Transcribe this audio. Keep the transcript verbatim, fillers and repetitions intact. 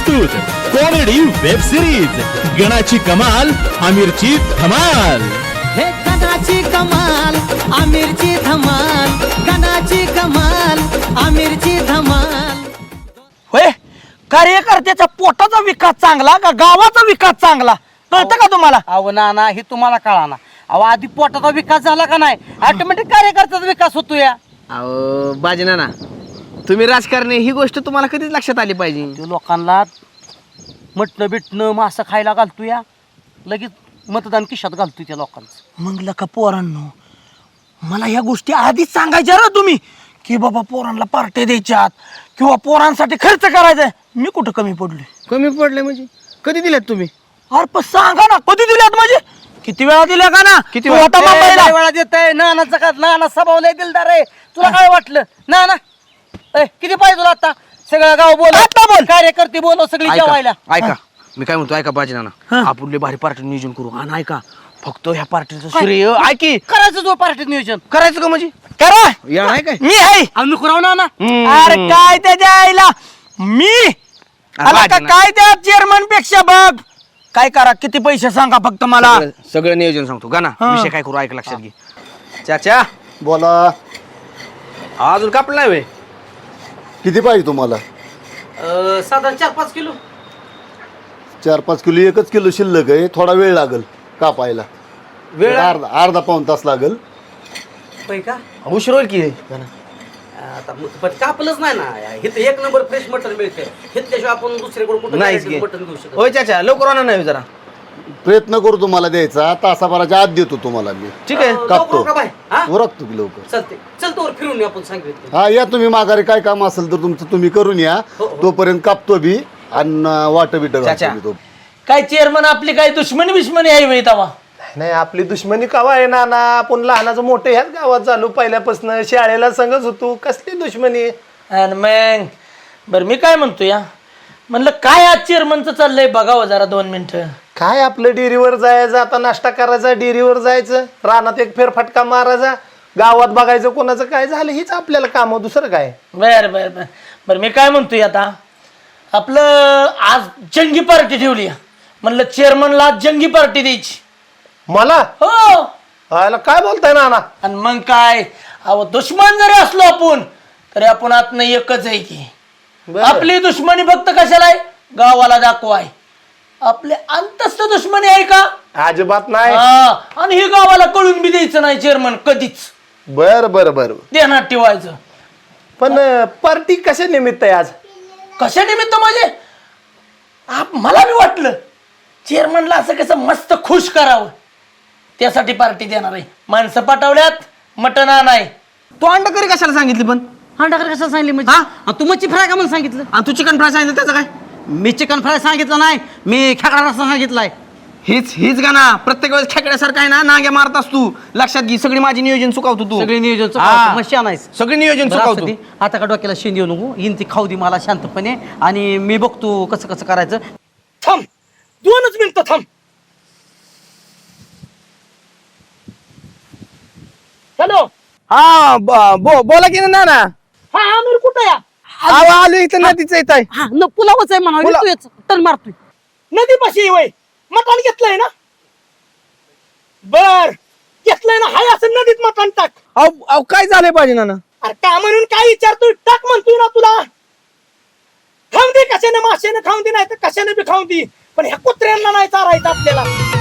प्रस्तुत comedy web series गणाची कमाल आमिरची धमाल। हे गणाची कमाल आमिरची धमाल, गणाची कमाल आमिरची धमाल। होय, कार्यकर्त्याचा पोटाचा विकास चांगला का गावाचा विकास चांगला कळतं का तुम्हाला? अहो ना ना हे तुम्हाला कळा ना। अहो आधी पोटाचा विकास झाला का नाही ऑटोमॅटिक कार्यकर्त्याचा विकास होतो या। अहो बाजना ना तुम्ही राजकारणी ही गोष्ट तुम्हाला कधीच लक्षात आली पाहिजे। ते लोकांना मटणं बिटणं मासं खायला घालतो या, लगेच मतदान खिशात घालतो त्या लोकांचं। मग लका पोरांनो, मला ह्या गोष्टी आधीच सांगायच्या ना तुम्ही की बाबा पोरांना पार्ट्या द्यायच्यात किंवा पोरांसाठी खर्च करायचा। मी कुठं कमी पडलोय? कमी पडले म्हणजे कधी दिल्यात तुम्ही? अरे पण सांगा ना कधी दिल्यात, म्हणजे किती वेळा दिल्या का ना? किती तू वेळा? होता मुंबईला. लय वेळा देतय नानाचा का नाना स्वभाव लय दिलदार आहे। तुला काय वाटलं ना ना ए, किती पाहिजे तुला आता? सगळं गाव बोल, आता बोल, कार्यकर्ते बोलव सगळी जेवायला। ऐका ऐका, मी काय म्हणतो ऐका बाजना ना, आपण लय भारी पार्टी नियोजन करू आणि ऐका फक्त ह्या पार्टीचं श्रेय ऐकी करायचं जो पार्टीत नियोजन करायचं का म्हणजे करा, या नाही काय मी आहे। आम्ही करावं ना ना। अरे काय त्याच्या आईला मी आला का काय त्या चेअरमन पेक्षा बघ काय करा, किती पैसे सांगा फक्त मला। सगळं- सगळं नियोजन सांगतो का ना, विषय काय करू ऐक लक्षात घे। चाचा बोला, अजून कापलं नाही वे? किती पाहिजे तुम्हाला? साधारण चार पाच किलो। चार पाच किलो, एकच किलो शिल्लक आहे, थोडा वेळ लागेल कापायला। वेळ अर्धा अर्धा पाऊण तास लागेल। होय का? उशीर होईल की? आता पण कापलंच नाही ना, इथं एक नंबर फ्रेश मटन मिळते, घेतल्याशिवाय आपण दुसरीकडे कुठं नाहीच की. मटन घेऊ शकतो। होय चाचा, लवकर आणा नाही जरा। प्रयत्न करू तुम्हाला द्यायचा, तासाभराच्या आत देतो तुम्हाला मी। ठीक आहे कापतो, का बाय? हा? उरकतो की लवकर। चालते, चल तोवर फिरून येऊ आपण सांगितलं। हा या तुम्ही माघारी, काय काम असेल तर तुमचं तुम्ही करून या, हो, हो. तोपर्यंत कापतो बी आणि वाट बिट चाचा. तो काय चेअरमन आपली काय दुश्मनी बिश्मनी आहे वेळ तवा? नाही, आपली दुश्मनी कवा आहे ना ना, आपण लहानाचं मोठं ह्याच गावात झालो, पहिल्यापासून शाळेला संगच होतो, कसली दुश्मनी? आणि मग बरं मी काय म्हणतो या, म्हणलं काय आज चेअरमनचं चाललंय बघावं जरा दोन मिनिटं। काय आपलं डेअरीवर जायचं, आता नाश्ता करायचा, डेअरीवर जायचं, रानात एक फेरफटका मारायचा, गावात बघायचं कोणाचं काय झालं, हीच आपल्याला काम, दुसरं काय? बर बर बर बर मी काय म्हणतोय आता, आपलं आज जंगी पार्टी ठेवली आहे. म्हणलं चेअरमनला आज जंगी पार्टी द्यायची। मला हो, आयला काय बोलताय ना ना? आणि मग काय, अहो दुश्मन जरी असलो आपण तरी आपण आतनं एकच आहे की। बरं. आपली दुश्मनी फक्त कशाला आहे? गावाला दाखवाय। आपले अंतस्थ दुश्मनी आहे का? अजिबात नाही। हा, आणि हे गावाला कळून बी द्यायचं नाही चेअरमन कधीच, बर बर बर ध्यानात ठेवायचं। पण पार्टी कशा निमित्त आहे आज? कशा निमित्त म्हणजे आप- मला बी वाटलं चेअरमनला असं कसं मस्त खुश करावं, त्यासाठी पार्टी देणार आहे। माणसं पाठवल्यात, मटण आणाय। तू अंडा करी कशाला सांगितली पण? अंडा करी कशाला सांगितलं म्हणजे? आणि तू मच्छी फ्राय का म्हणून सांगितलं? आणि तू चिकन फ्राय सांगितलं त्याचं काय? मी चिकन फ्राय सांगितलं नाही, मी खेकडा रस्सा सांगितलाय। हीच हीच गाना प्रत्येक वेळेस खेकड्यासारखा आहे ना, नाग्या मारतास तू। लक्षात घे, सगळी माझी नियोजन चुकावतो तू। सगळे नियोजन हा. मच्छी आणायचं सगळी नियोजन चुकावतो। आता का डोक्याला शेंद येऊ नको, येईन ती खाऊ दे मला शांतपणे, आणि मी बघतो कसं कसं करायचं। थांब दोनच मिनिटं थांब। हॅलो, हा ब- बो- बोला की ना ना। हा आमिर कुठं या? आव आलो इथं नदीचं येत आहे। हा न पुलावच आहे म्हणा, पुलाव. तू टन मारतोय। नदी पाशी वय मटण घेतलंय ना? बर घेतलंय ना, हाय असं नदीत मटण टाक। अहो अहो, काय झालंय पाहिजे ना? अरे का म्हणून काय विचारतोय? टाक म्हणतोय ना तुला। खाऊन दे, कशाने माशाने खाऊन दे, नाही तर कशाने बी खाऊन दे, पण ह्या कुत्र्यांना नाही चारायचं आपल्याला।